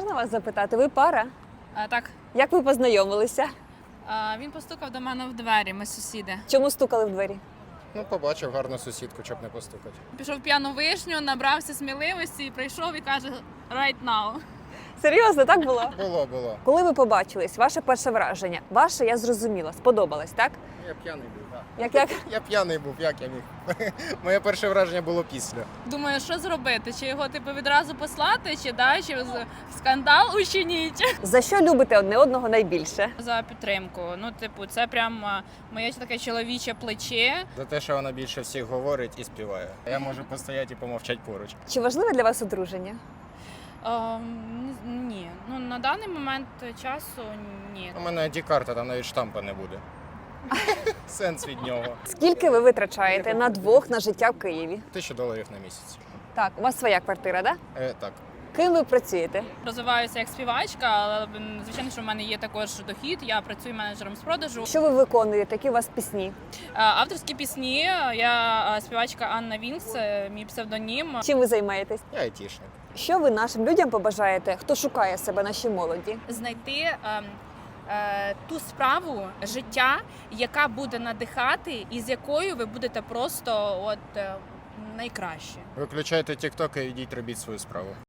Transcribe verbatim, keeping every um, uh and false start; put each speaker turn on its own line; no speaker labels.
Можна вас запитати? Ви пара?
А, так,
Як ви познайомилися?
а, він постукав до мене в двері, ми сусіди.
Чому стукали в двері?
Ну, побачив гарну сусідку, щоб не постукати.
Пішов в п'яну вишню, набрався сміливості і прийшов і каже right now.
Серйозно, так було?
Було, було.
Коли ви побачились, ваше перше враження? Ваше, я зрозуміла, сподобалось, так?
Я п'яний був, так.
Як як?
Я п'яний був, як я міг. Моє перше враження було після.
Думаю, що зробити? Чи його типу відразу послати, чи да, чи з- скандал учиніть?
За що любите одне одного найбільше?
За підтримку. Ну, типу, це прям а, моє таке чоловіче плече.
За те, що вона більше всіх говорить і співає. Я можу постояти і помовчати поруч.
Чи важливе для вас одруження?
Ем, ні, ну на даний момент часу ні.
У мене ді-карта, там навіть штампа не буде. Сенс від нього.
Скільки ви витрачаєте на двох на життя в Києві?
Тисячу доларів на місяць.
Так, у вас своя квартира, так?
Е, так.
Ким ви працюєте?
Розвиваюся як співачка, але м, звичайно, що в мене є також дохід. Я працюю менеджером з продажу.
Що ви виконуєте? Які у вас пісні?
А, Авторські пісні. Я а, співачка Анна Вінкс, е, мій псевдонім.
Чим ви займаєтесь?
Я айтішник.
Що ви нашим людям побажаєте, хто шукає себе, нашій молоді?
Знайти е, е, ту справу життя, яка буде надихати, і з якою ви будете просто от е, найкраще.
Виключайте тік-ток і йдіть робіть свою справу.